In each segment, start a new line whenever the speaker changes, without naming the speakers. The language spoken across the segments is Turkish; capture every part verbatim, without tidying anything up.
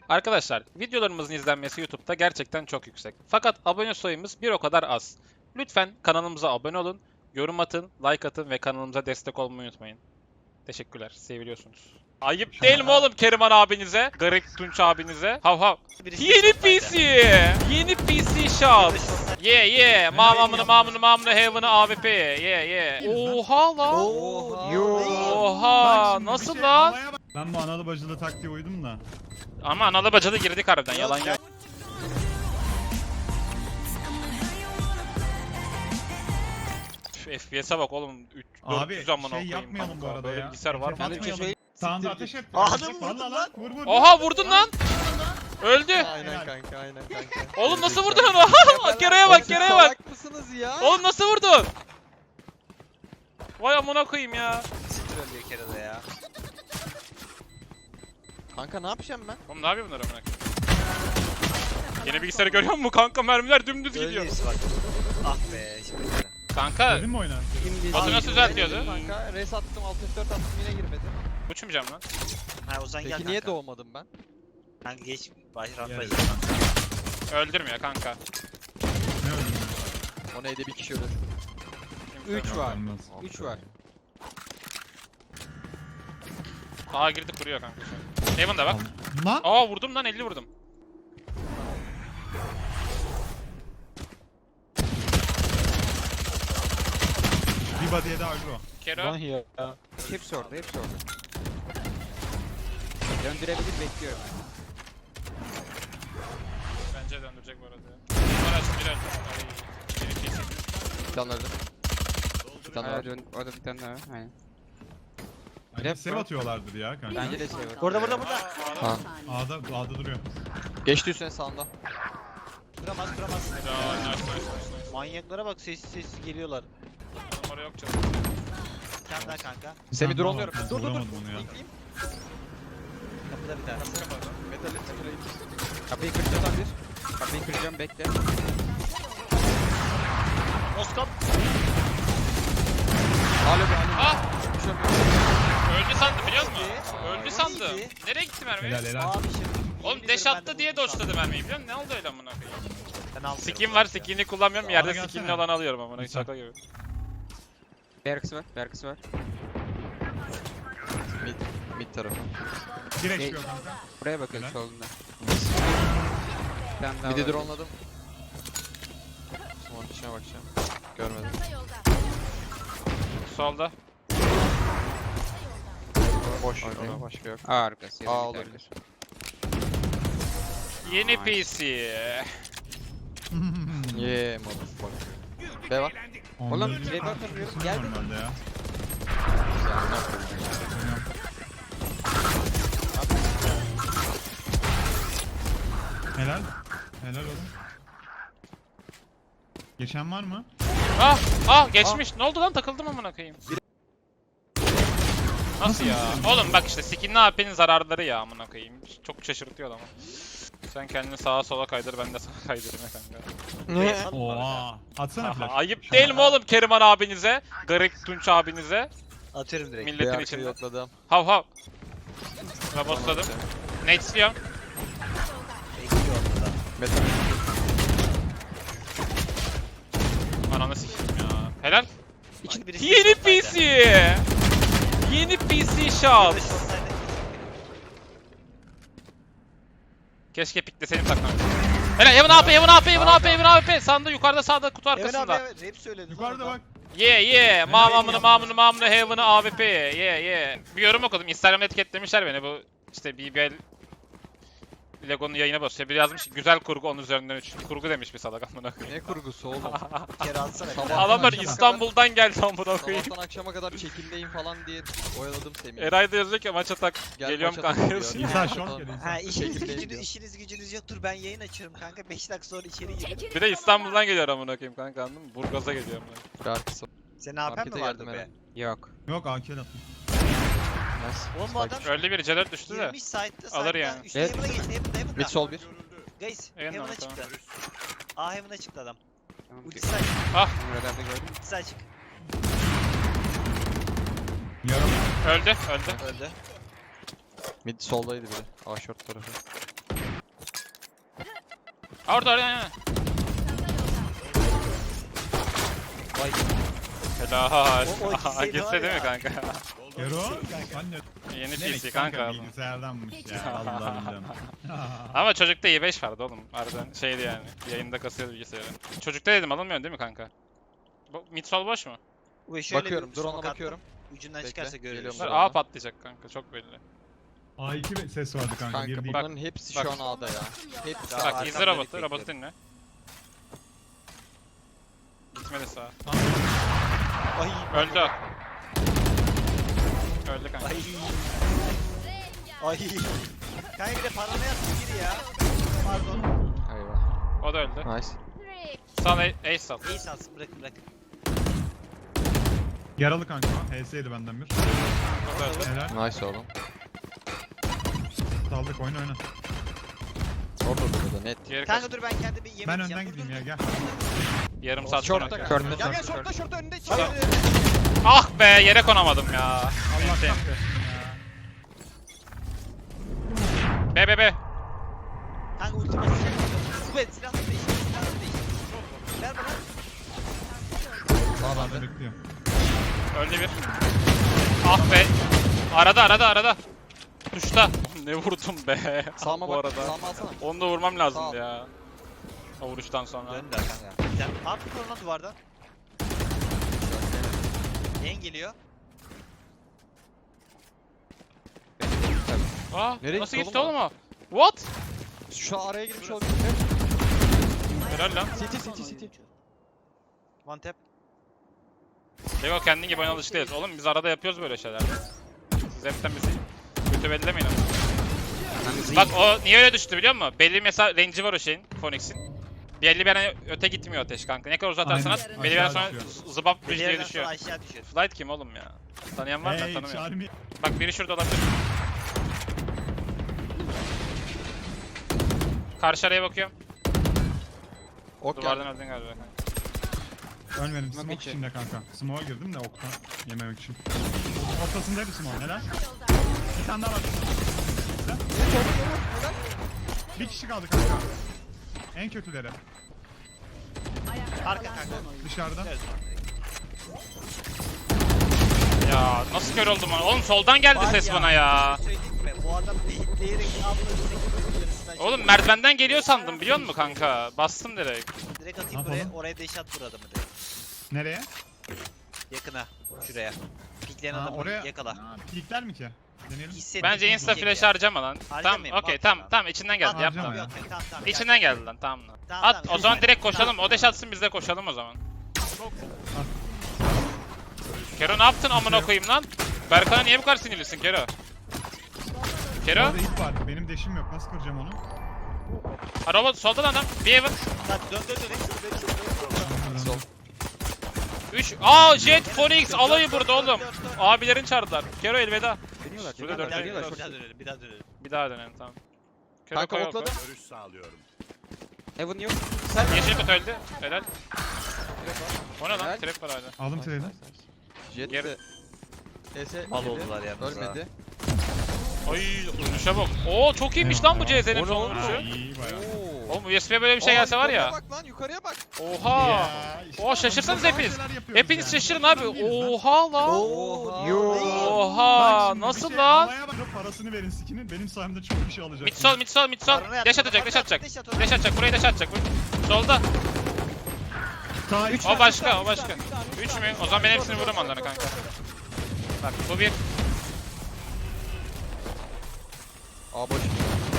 Arkadaşlar videolarımızın izlenmesi YouTube'da gerçekten çok yüksek. Fakat abone sayımız bir o kadar az. Lütfen kanalımıza abone olun, yorum atın, like atın ve kanalımıza destek olmayı unutmayın. Teşekkürler, seviliyorsunuz. Ayıp değil mi oğlum Keriman abinize, Garip Tunç abinize? Hav hav. Yeni P C! Yeni P C shop! Yeah yeah! Mamamını mamını mamını heaven'ı A W P! Yeah yeah! Oha lan!
Oha.
Oha! Nasıl lan?
Ben bu analı bacılı taktiğe uydum da.
Ama analı bacalı girdik harbiden, yalan yok. F P S'e bak oğlum. üç
Abi
dört yüz amına
şey
koyayım
yapmayalım
kanka.
bu arada
Böyle
ya.
bilgisayar var mı?
Atmayalım. Sağında ateş et.
Adam
Valla
vurdun
lan. Vur vur.
Oha vurdun lan! Öldü!
Aynen kanka, aynen kanka.
Oğlum nasıl vurdun onu? Kereye bak, kereye bak!
Salak mısınız ya?
Oğlum nasıl vurdun? Vay amına koyayım ya.
Siktir ölüyor kerede ya. Kanka ne yapacağım ben?
Oğlum ne yapıyor bunlar amına koyayım? Yeni bilgisayarı görüyor musun kanka? Mermiler dümdüz gidiyor.
Öyleyiz bak. Ah be şimdi.
Kanka
Dedin mi oyna?
Batu nasıl düzeltiyordu?
Kanka res attım, altı yüz dört attım yine girmedi.
uçmayacağım lan.
Ha Ozan gel
Peki
kanka.
niye doğmadım ben?
Kanka geç. Baş
Gel.
rampayız.
Öldürmüyor kanka.
Ne öldün?
O neydi bir kişi ölür.
Kimse
üç
yok.
var.
Olmaz.
üç var.
Aha girdi kuruyor kanka. Heaven'da bak.
Lan.
Aa vurdum lan, elli vurdum.
Bir body'ye de agro.
Kero.
ya. Hepsi orada, hepsi orada. Döndürebilir, bekliyorum.
Bence döndürecek bu arada. Var açtı bir öldü. Ay, yeni P C.
Bir tane öldü. Bir tane
Aa,
öldü.
dön- orada bir tane daha var. Aynen.
Bence
Rap
sev
var.
atıyorlardır ya kanka.
Bence de şey var.
Burada burada burada.
Ha.
A'da, A'da duruyor.
Geçti üstüne sağında.
Duramaz duramaz.
Ya, nice, nice, nice, nice.
Manyaklara bak sessiz sessiz geliyorlar.
Oğlum oraya yok canım.
Bir tane daha kanka.
Semi
Tamam,
drone'luyorum.
tamam,
Dur dur dur.
vuramadım onu ya.
Linkleyeyim.
Kapıda bir tane.
Metal ettim.
Kapıyı kıracağım bir. Kapıyı kıracağım, bekle.
Moskop.
Alo bir alo.
Ah!
Düşüyorum.
Öldü sandım biliyor musun?
Aa,
Öldü
o
sandım.
neydi?
Nereye gitti mermi?
Helal helal.
Abi şimdi.
Oğlum
yemin
dash
ederim ben
attı
de
diye
vurdum
doşladı mermiyi biliyor musun? Ne oldu öyle amına koyayım?
Ben almıyorum
Skin var,
kanka.
skinini kullanmıyorum.
Bana
Yerde
gelsene.
skinli olanı alıyorum amına koyayım.
Güzel.
Şaka gibi.
Bir arkası var, bir arkası var.
Mid, mid tarafı.
Bir
Şey-
H P yok kanka.
Buraya bakın
Helal.
solunda. Bir tane daha
Mid'i
var.
drone'ladım. Smoke'un içine bakacağım. Görmedim.
Solda.
Boş.
Okey.
Ona başka yok.
A arkası ya da
A
mid
olabilir.
arkası.
Yeni
Nice.
P C.
Yeah motherfucker. B var.
Onları
Oğlum,
bir
şey
fark
bakın,
ediyorsun
gel.
normalde ya. Helal. Helal oğlum. Geçen var mı?
Ah! Ah geçmiş. Ne oldu lan? Takıldım amına koyayım. Nasıl ya? Oğlum bak işte skinli A P'nin zararları ya amına koyayım. Çok şaşırtıyor ama. Sen kendini sağa sola kaydır, ben de sağa kaydırayım ya kanka.
Oha. Atsana flash.
Ayıp değil mi oğlum Keriman abinize, Garip Tunç abinize,
Atıyorum direkt.
B
milletin
arkayı
içinde.
yokladım.
Hav hav. Rabosladım. Netesliyorum.
Bekliyor ortada.
Metal.
Ananı sikeyim ya. Helal.
İçinde birisi
Yeni
short'taydı.
P C. Yeni P C shop.
Birisi short'taydı.
Keşke pikleseydim takmamıştım. Helal, Evan A P, Evan A P, Evan A P, Evan A P. Sağında, yukarıda, sağda, kutu
Evet abi
arkasında.
evet rap söyledi.
Yukarıda bak.
Yeah yeah. Mamamını mamını mamını heaven'ı A W P. Yeah yeah. Bir yorum okudum. Instagram'da etiketlemişler beni. Bu işte B B L Lego'nun yayına basıyor. Bir yazmış ki, güzel kurgu onun üzerinden üç. Kurgu demiş bir salak amına koyayım.
Ne kurgusu oğlum?
Bir kere atsana.
Sabah-
Sabah.
Adamlar
akşama
İstanbul'dan geldi amına koyayım.
Sabahtan akşama kadar çekimdeyim falan diye oyaladım Semih'i.
Eray da yazıyor ki maça tak.
Gel
Geliyorum
maça
kanka
takıl
yazıyor.
diyor.
İnsan
Maça
şok
takıl.
geliyor.
Ha işiniz
Çekimdeyim
gücünüz,
diyor.
işiniz gücünüz yoktur ben yayın açarım kanka beş dakika sonra içeri girerim.
Bir de İstanbul'dan geliyor amına koyayım kanka, anladın mı? Burgaz'a geliyor amına.
Bir arkası.
Senin A P'n
Markete
mi vardı
geldim
be?
Eren.
Yok.
Yok A K attım.
Nice.
Oğlum bu adam
Öldü biri, C dört düştü de.
girmiş site'da
Alır
site'da.
yani.
Üstüne
Evet.
Heaven'a geçti Heaven'da Heaven'da.
Mid sol bir.
Guys
Heaven'da
Heaven'a
mı? Tamam.
çıktı. A Heaven'a çıktı adam.
Tamam.
Ulti side
Ah
Bunu radarda gördüm.
ulti side çık.
Yarım.
öldü öldü.
Öldü.
Mid soldaydı biri. A short tarafı.
Orada orada yani.
Vay.
Helal.
O- o ikisi
Aha,
de
gitse
var
değil mi
ya.
kanka?
Kero. Sen ne?
Yeni
Ne
P C
demek
kanka.
Bilgisayardanmış ya. Allah'ım.
Ama çocukta i beş vardı oğlum. Harbiden şeydi yani. Yayında kasıyordu bilgisayarı. Çocukta dedim alınmıyor değil mi kanka? Bu midsol boş mu?
Bu şöyle
Bakıyorum.
bir
Drone'a
smoke attım.
bakıyorum.
Ucundan
Bekle,
çıkarsa görürüz.
geliyorum.
Bunlar
Drone'a.
A patlayacak kanka çok belli.
A iki be- ses vardı kanka.
Kanka
bir değil.
bunların hepsi
bak.
şu an A'da ya. Hepsi
Ya,
A'da.
Bak
arkamda
izle robotu,
bekliyorum.
robotu dinle. Gitmedi sağa.
Ay.
Öldü o. Öldü kanka.
Ay. Ay. Kanka bir de paranoya attı biri ya. Pardon.
Eyvah.
O da öldü.
Nice.
Sal A- ace sal.
İyi sansın bırakın bırakın.
Yaralı kanka. H S'ydi benden bir.
O da öldü.
Helal.
Nice oğlum.
Saldık oyna oyna.
Orada burada net.
Diğeri
Kanka
kaç?
dur ben kendi bir yemek
Ben
yiyeceğim.
önden
Dur,
gideyim
dur,
ya
dur.
gel.
Yarım saat
Short'ta
sonra.
kör.
Körde
Gel gel
short,
short'ta short'ta önünde.
Hayır.
Ah be yere konamadım ya.
Allah
Neyse.
kahretsin ya.
Be be be.
Kanka ulti basacak. Evet silahını değiştir. Silahını değiştir. Ver bana.
Sağ
Ben de
bende.
bekliyorum.
Öldü bir. Ah be. Arada arada arada. Tuşta. Ne vurdum be.
Sağıma
Bu
bak.
arada.
Sağıma alsana.
Onu da vurmam lazım
Sağ ol.
ya. O vuruştan sonra.
Döndüler kanka. Sen at korona duvardan. Yayın geliyor.
Aa,
Nereye
nasıl
gitti
gitti
oğlum
oğlum o? What?
Şu an araya girmiş olabilir.
Helal lan.
City city city.
One tap.
Lego kendin gibi oyuna alışık değiliz. Oğlum biz arada yapıyoruz böyle şeyler. Siz hepten bizi kötü bellemeyin ama. Bak o niye öyle düştü biliyor musun? Belli mesela range'i var o şeyin, Phoenix'in. Belli bir yere öte gitmiyor ateş kanka. Ne kadar uzatırsan
Aynen.
at, belli bir yer sonra
Aşağı
z- zıbap
Bir
düz diye
yerden
düşüyor.
sonra aşağı düşüyor.
Flight kim oğlum ya? Tanıyan var mı? Ben
Hey
tanımıyorum.
Charmy.
Bak biri şurada olabilir. Karşı araya bakıyorum.
Ok
Duvardan
geldi.
öldün galiba kanka.
Ölmedim.
Smoke
Smoke
içi.
içinde kanka. Smoke'a girdim de oktan yememek için. Ortasındaydı smoke. Helal. Bir tane daha var. Helal. Bir kişi kaldı kanka. En kötüleri.
Arka kanka.
Dışarıda.
Ya nasıl kör oldum onu? Oğlum soldan geldi
Var
ses
ya,
bana ya.
bir şey söyleyeyim mi? Bu adam beyitleyerek abla
Oğlum merdivenden geliyor sandım biliyor musun kanka? Bastım direkt.
Direkt atayım
Ne
buraya,
yapalım?
oraya deş at vur adamı direkt.
Nereye?
Yakına, şuraya. Pikleyen
Ha,
adamı
oraya.
yakala.
Ha, Pikler mi ki? Deneyelim.
Hissettim.
Bence insta flash harcama lan. Tamam
Harcamayayım,
okey
bak
tamam
sana.
tamam içinden geldi
Harcama
yapma.
ya.
Yok, tamam, tamam,
İçinden
gel.
geldi lan tamam lan.
Tamam,
At
tamam,
o zaman
gel.
direkt koşalım. O deş atsın biz de koşalım o zaman. Kero ne yaptın amına koyayım lan? Berkan'a niye bu kadar sinirlisin Kero? Kero?
Orada ip var. Benim deşim yok. Nasıl kıracağım onu?
Ha robot solda lan adam. Bir evin.
Lan dön dön dön. hepsini dön, hepsini dön.
Sol.
üç. Aa Jet Phoenix alayı burada oğlum.
Dön, dön, dön.
Abilerin çağırdılar. Kero elveda.
Deniyorlar.
Şurada
Bir
dört
daha
deniyorlar.
dönelim, bir daha dönelim, bir daha dönelim.
Bir daha dönelim tamam. Kero
Kanka
koy oku.
okladım.
Görüş sağlıyorum.
Heaven yok.
Yeşil kutu öldü. Helal. O ne lan?
Helal.
Trap var hala.
Aldım treni.
Jet
Geri-
de. E S
Mal
yedi.
oldular yalnız ha.
Ölmedi.
Ay vuruşa bak. Oo çok iyiymiş lan bu C Z'nin
O ne
son
oğlum?
vuruşu.
Ha, iyi bayağı.
Oo.
Oğlum U S B'ye böyle bir şey gelse var ya.
Yukarıya bak lan yukarıya bak.
Oha.
Ya, işte
Oo şaşırsanız
bazı
hepiniz.
şeyler yapıyoruz
Hepiniz
yani.
şaşırın abi.
Adam değiliz lan.
Oha lan.
Oha.
Bak
Oha.
şimdi bir
Nasıl
şey
lan?
havaya bakıp parasını verin sikinin. Benim sayemde çok bir şey alacak.
Mid sol mid sol mid sol.
Paranoya
Dash
at,
atacak dash atacak.
Dash at,
Dash atacak burayı dash atacak. Vur. Solda.
Sağ üç.
O başka o başka. üç mü? O zaman ben hepsini vururum onlara kanka. Bak bu bir.
A boş.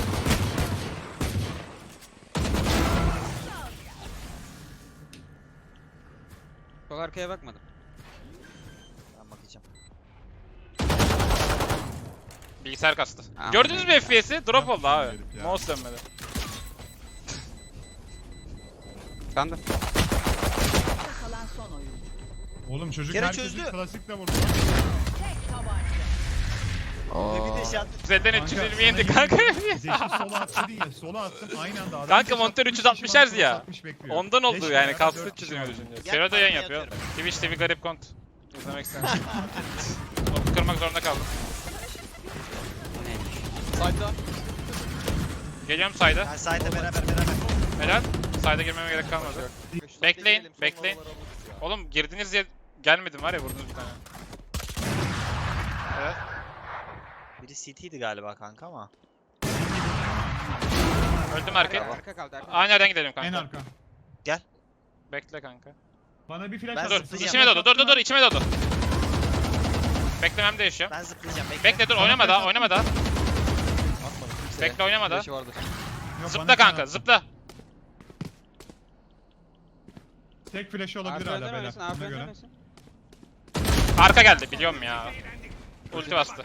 Sol arkaya bakmadım.
Ben bakacağım.
Bilgisayar kastı.
Aman.
Gördünüz mü F P S'i? Drop oldu abi.
Herif ya.
Mouse dönmedi.
Ben de.
Kalan son oyuncu.
Oğlum çocuk
Kere
herkesi
çözdü.
klasikle vurdu.
Tek tabanca.
Ve bir de şey attı.
Z'den
Kanka,
üç yüz yirmi
sana
indi
yemin
kanka.
ediyorum, Zeki sola attı değil ya. Sola attım aynı anda. Adam
Kanka
beş
monitör
altmış,
üç yüz altmış
kişi bana
Hz ya.
altmış altmış bekliyor.
Ondan oldu
Beş
yani
beraber
kalsın
dört
üç yüz
kişi
yirmi
var.
düşünce.
Gel,
Kero da yayın
parayı
yapıyor.
atıyorum.
Twitch T V garip kont. İzlemek istedim. Topu kırmak zorunda kaldım.
O neymiş?
Side'da.
Geliyorum sayda.
Ben side'le beraber beraber.
Helal. Side'a girmeme gerek kalmadı. Bekleyin,
Son
bekleyin.
oraları alırız ya.
Oğlum girdiniz diye gelmedim var ya vurdunuz bir tane. Evet.
Biri C T'ydi galiba kanka ama.
Öldüm
Arka,
erken.
arka kaldı arka.
Aynı yerden gidelim
En
kanka.
arka.
Bekle kanka.
Bana bir flash
Ben
at.
Dur,
zıplayacağım.
içime doğdu. Dur dur dur, içime doğdu. Beklemem değişiyor.
Ben zıplayacağım bekle.
Bekle dur, oynama daha, oynama daha.
Atmadım kimseye.
Bekle, oynama daha.
Flash'ı vardır.
Yok,
Zıpla
bana
kanka,
sen
zıpla.
at. Tek flash'ı olabilir
Arka
hala
önden
beyler.
oynasın,
Buna
arka önden
göre.
oynasın.
Arka geldi, biliyorum ya. Ulti bastı.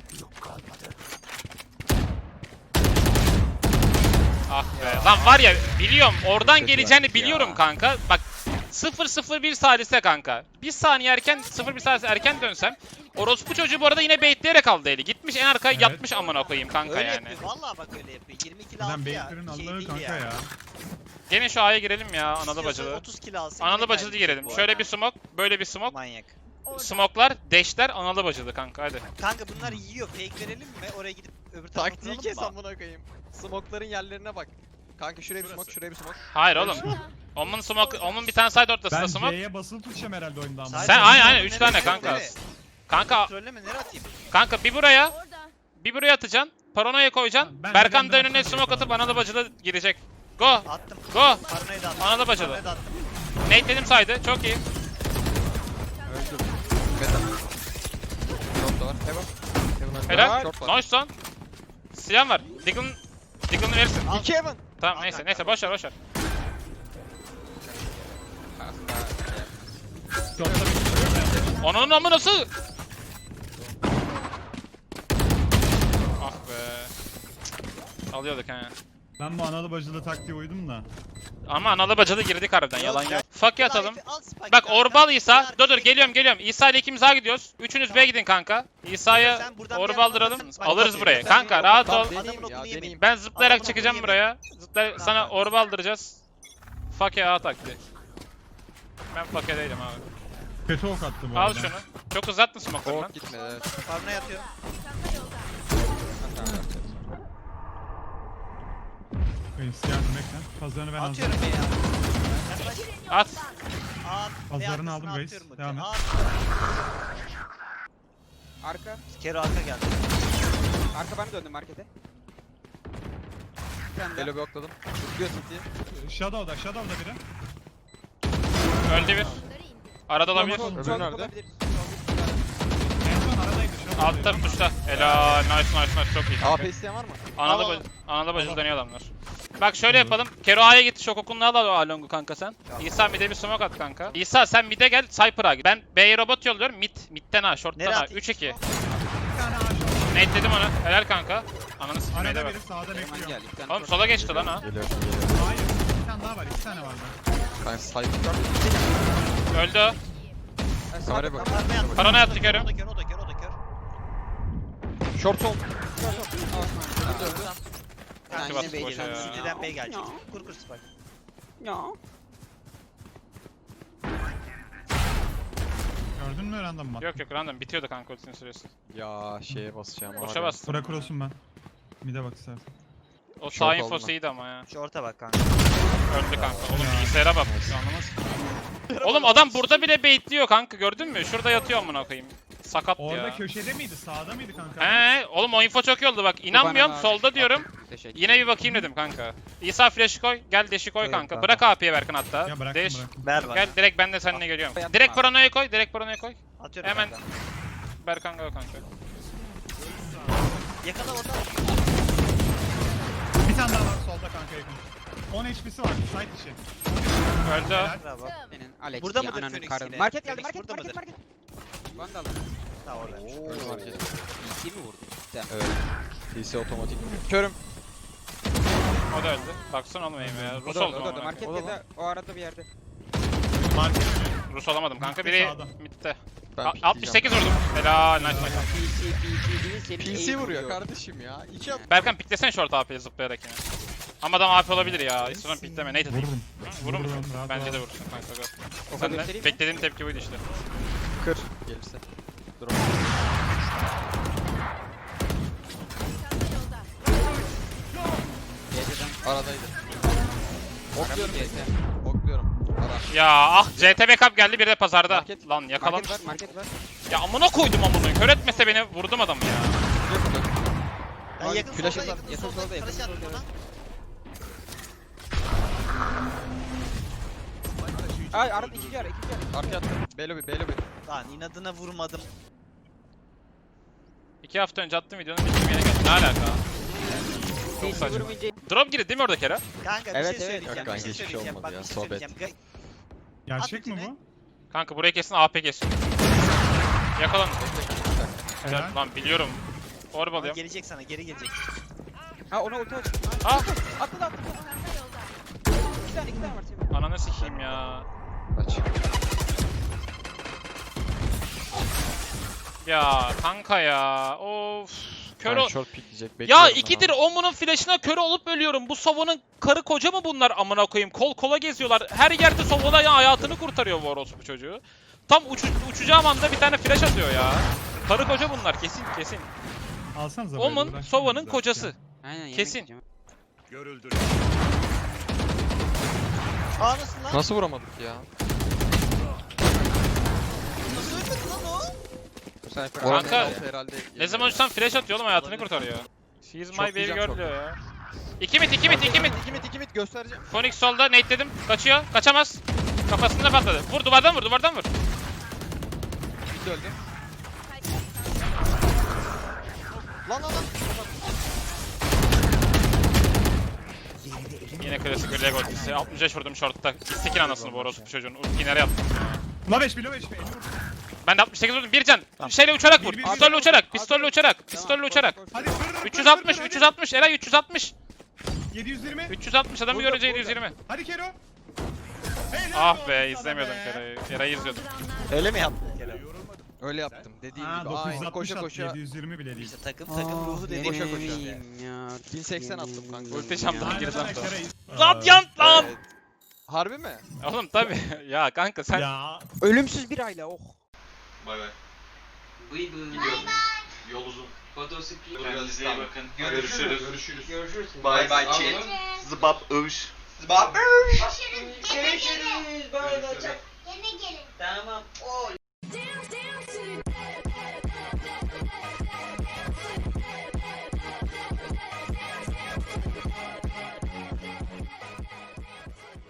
Ah be. Lan var ya, biliyorum. Oradan
Kötü
geleceğini
verdik
biliyorum
ya.
kanka. Bak sıfır sıfır bir salise kanka. Bir saniye erken, sıfır bir salise erken dönsem. Orospu çocuğu bu arada yine baitleyerek aldı eli. Gitmiş en arkaya
Evet.
yatmış amına koyayım kanka
Öyle
yani.
yapıyor. Vallahi bak öyle yapıyor. yirmi kill
Zaten
aldı ya.
Baitler'ın
Şey
Allah'ı
değil
kanka
ya.
ya.
Gelin şu A'ya girelim ya, analı
İstiyorsa
bacılı.
otuz kill alsın.
Analı
yine
bacılı
kaybedecek
girelim.
bu
Şöyle
arada.
bir smoke, böyle bir smoke.
Manyak.
Smoke'lar, dash'ler, analı bacılı kanka hadi.
Kanka bunlar yiyor. Fake verelim mi? Oraya gidip öbür tarafa
Taktiği
kuralım
kes
mı?
amına koyayım. Smoke'ların yerlerine bak. Kanka şuraya bir smoke, şuraya bir smoke.
Hayır oğlum. Omun smoke, Omun bir tane side ortasında
Ben
smoke.
C'ye basılı tutacağım herhalde oyunda ama.
Sadece
Sen
bir
aynen
tane
aynen üç
nereye
tane
atayım,
kanka.
nereye?
Kanka
Trolleme nereye atayım?
kanka bir buraya,
Orada.
bir buraya atacaksın. Paranoya koyacaksın.
Ben de
Berkan da
benden
önüne
atacağım
smoke atıp
falan.
analı bacılı girecek. Go.
Attım.
Go.
Paranoyu da attım.
Ananı bacılı.
Paranoyu da attım.
Nate'ledim saydı. Çok iyi.
Öldüm. Beta. Short da var. Heaven. Heaven öldü.
Helal.
Short var.
Nice lan. Siyan var. Diggle'ın Diggle'ını verirsin.
Al.
İki Heaven.
Tamam
Al
neyse
kanka.
neyse boş ver boş ver. Onun amı nasıl? Ah be. Alıyorduk ha.
Ben bu analı bacılı taktiğe uydum da.
Ama analı bacılı girdik harbiden yalan yok. Fakir atalım.
Al spike
Bak
kanka.
Orbal İsa.
Bir
Dur dur
arkaya
geliyorum geliyorum. İsa ile ikimiz A gidiyoruz. Üçünüz B gidin kanka. İsa'yı
Sen buradan bir
Orbaldıralım.
yerden alırsın.
Alırız
Bak,
burayı.
sen
Kanka
bir-
rahat
Tamam,
ol.
deneyeyim
Adamın
ya,
okunu
deneyeyim.
yemeyeyim.
Ben zıplayarak
Adamın
çıkacağım
okunu
buraya. Zıpla sana
Tamam.
Orbaldıracağız. Fakir A taktiği. Ben fakir değilim abi.
Kötü ok attı bu
Al
arada.
şunu. Çok uzattın smoke'ları lan.
Short gitmedi evet.
Paranoya atıyorum.
Reis yardım bekle. Pazarını ben aldım.
Atıyorum be ya. Yaklaş.
At.
At.
Pazarını
Ve
aldım
arkasına
reis.
atıyorum bu
Devam
kere.
et.
At.
Arka.
Kero arka geldi.
Arka ben döndüm markete. Bir tane daha.
Elo blokladım. Tutuyor City'yi.
Shadow'da, Shadow'da biri.
Öldü bir. Arada olabilir.
Sol-
Öbürü
sol
nerede?
olabilir.
En son aradaydı. Shadow'daydı.
Altta tuşta. Helal. Nice nice nice. Çok iyi
A
kanka.
P isteyen var mı?
Analı
Al, al.
bacı, analı bacı dönüyor adamlar. Bak şöyle yapalım. Kero A'ya git. Şok okununu al al o Along'u kanka sen. İsa mid'e bir smoke at kanka. İsa sen mid'e gel. Cypher'a git. Ben B'ye robot yolluyorum. Mid. Mid'den A. Short'tan
Nereye
A.
atayım?
üç iki.
Bir tane ağaç var.
Nate dedim onu. Helal kanka. Ananı sikmeye de
Arada
bak.
biri sağda
Hemen
bekliyor.
gel. iki tane
Oğlum
short.
sola geçti lan ha.
Geliyor.
Hayır. Bir tane daha var. İki tane vardı.
Ben sniper.
Öldü o.
Ha, sağda
Kameraya bak.
tamam.
Paranoya attım.
Paranoya attı
O da
Kero.
O da kör, o da kör, o da kör.
Short sol.
Osman.
Öldü.
Sen
Ulti
yine
bastı
B'ye
boşa
geldin.
ya.
City'den B gelecek.
Ya.
Kur kur spike.
Ya.
Gördün mü random mı?
Yok yok random. Bitiyordu kanka ultisinin süresi.
Ya şeye basacağım.
Boşa
abi.
bastım.
Bırak olsun ben. Mide bak istersen.
O
Short
sağ
oldu
infosu
mu?
iyiydi ama ya.
Şu orta bak kanka.
Öldü kanka. Oğlum bilgisayara bak. Anlamaz. Oğlum adam burada bile baitliyor kanka gördün mü? Şurada yatıyor amına koyayım. Sakat
Orada
ya.
köşede miydi? Sağda mıydı kanka?
He, oğlum o info çok iyi oldu bak.
Bu
İnanmıyorum
bana
solda
lazım.
diyorum.
Teşekkür.
Yine bir bakayım dedim kanka. İsa flash'ı koy. Gel dash'i koy
Koyuyorum
kanka.
kanka.
Bırak A P'ye Berkan hatta.
Ya bıraktım
Dash.
bıraktım.
Ver bana.
Gel direkt ben de seninle geliyorum.
Yapma
Direkt
abi.
paranoya koy. Direkt paranoya koy.
Atıyorum
Hemen.
kanka.
Berkan go kanka.
Yakala orada.
Bir tane daha var solda kanka yakın. on H P'si var. Side içi.
Öldü o.
Helal.
Bravo.
Senin Alex
Burada
diye
mıdır
ananın
Phoenix
karın.
yine?
Market geldi
Phoenix
market
burada
market
mıdır?
market. Vandal.
Ha oradaymış.
Öldü market.
İki mi vurdu? Sen.
Evet. P C otomatik. Körüm.
O da öldü. Baksana oğlum eğime ya.
O
Rus
da orada,
oldum
o da orada.
ama.
Market
O da
ya da o arada bir yerde.
Market önü.
Rus olamadım kanka.
Mid'de
Biri
sağda.
midde.
Ben
A-
pikleyeceğim.
altmış sekiz vurdum. Helal. Nice nice.
P C P C değil senin
P
aim
C vuruyor kardeşim ya. İki at.
Berkan piklesene short A P'ye zıplayarak yine. Ama adam A P olabilir ya. Hiç sonra pikleme. Nate atayım.
Vururum.
Hı, Vurur musun?
Vururum, rahat
Bence
ol.
de vurursun kanka. Go.
O
Sen
kadar
de
göstereyim mi?
beklediğim tepki buydu işte.
Kır. Gelirse. Dur.
Geceden
Aradaydı. Okluyorum.
C T.
Okluyorum. Ara.
Ya ah C T backup geldi bir de pazarda.
Market-
Lan yakalamış.
Market var, market var.
Ya amına koydum amına. Kör etmese beni vurdum adamı ya.
Ben
Abi,
yakın
flash
solda,
at-
yakın
yakın
solda,
solda, yakın
flash attım
solda,
ona.
Ay arada iki yer, iki yer.
Arka attım. B lobby, B lobby.
Lan inadına vurmadım.
İki hafta önce attığım videonun bildiğim yere geldi. Ne alaka?
Sage
saçma.
vurmayınca
Drop girdi değil mi orada Kera?
Kanka bir
Evet,
şey
evet.
söyleyeceğim.
Yok
bir
kanka,
şey
hiçbir şey
söyleyeceğim.
olmadı
Bak
ya,
bir şey
sohbet.
söyleyeceğim. Ga-
Gerçek mi
At
bu?
Kanka burayı kesin A P kesin. Yakalan.
Helal.
Lan biliyorum. Orb
Ama
alıyorum.
gelecek sana, geri gelecek.
Ha ona ulti aç.
Ah!
Atladı atladı. İki tane iki tane var Semih.
Ananı sikeyim ya.
Aç.
Ya kanka ya. Of. Kör
Ben
ol.
short pikleyecek.
Ya
bekliyorum ben
ikidir
abi.
Omun'un flash'ına kör olup ölüyorum. Bu Sova'nın karı koca mı bunlar amına koyayım? Kol kola geziyorlar. Her yerde Sova'da ya hayatını kurtarıyor bu orospu çocuğu. Tam uçu, uçacağım anda bir tane flash atıyor ya. Karı koca bunlar kesin kesin.
Alsanıza böyle,
Omun
uğraşmayın
Sova'nın
zaten
kocası.
ya.
Aynen yemek
Kesin.
yiyeceğim.
Aa nasıl lan?
Nasıl vuramadık ya?
Nasıl ölmedi lan o?
Cypher.
Oranın
Kanka,
en altı herhalde.
Ne zaman uçsam flash atıyor oğlum hayatını kurtarıyor. She's my
Çok
baby
diyeceğim,
girl
çok.
diyor ya. İki mit iki mit iki mit.
İki mit, iki mit göstereceğim.
Phoenix solda nade dedim. Kaçıyor. Kaçamaz. Kafasında patladı. Vur duvardan vur duvardan vur.
Mid öldü. Lan lan lan.
Yine klasik bir leg ultisi. altmış beş vurdum short'ta. Sikin anasını bu orospu çocuğun. Ultiyi nereye attım?
Ula beş, bilo beş, elli vur.
Ben de altmış sekiz vurdum. Bir can. Şeyle uçarak vur.
Bir, bir,
Pistolle
bir.
uçarak. Pistolle uçarak. Pistolle uçarak.
Hadi kır, kır,
üç yüz
kır,
altmış.
kır,
üç yüz altmış. Eray üç yüz altmış.
yedi yüz yirmi.
üç yüz altmış adamı
Burada,
görünce
burada.
yedi yüz yirmi.
Hadi Kero. Helal
Ah
olsun
be
sana
izlemiyordum
be.
Eray'ı. Eray'ı izliyordum.
Öyle mi yaptın Kerem?
Öyle yaptım. Dediğim
Ha,
gibi.
dokuz yüz
Aynen
altmış
koşa
attı,
koşa.
yedi yüz yirmi bile değil.
İşte takım takım ruhu dediğin
koşa
bu
koşa.
işte.
bin seksen attım kanka.
Ulti şampiyon
Aynen,
girdi.
aynen, Kere'yi-
Radyant lan.
Evet. Harbi mi?
Oğlum tabi. Ya kanka sen.
Ya
Ölümsüz bir aile oh.
Bay bay.
Bıy bıy.
Yol uzun.
Fotosikli.
Kendinize iyi bakın.
Görüşürüz.
Görüşürüz.
Görüşürüz.
Bay bay chat. Zıbap övüş. Zıbap
Görüşürüz. Görüşürüz. Bay bay.
Görüşürüz.
Tamam. Oy.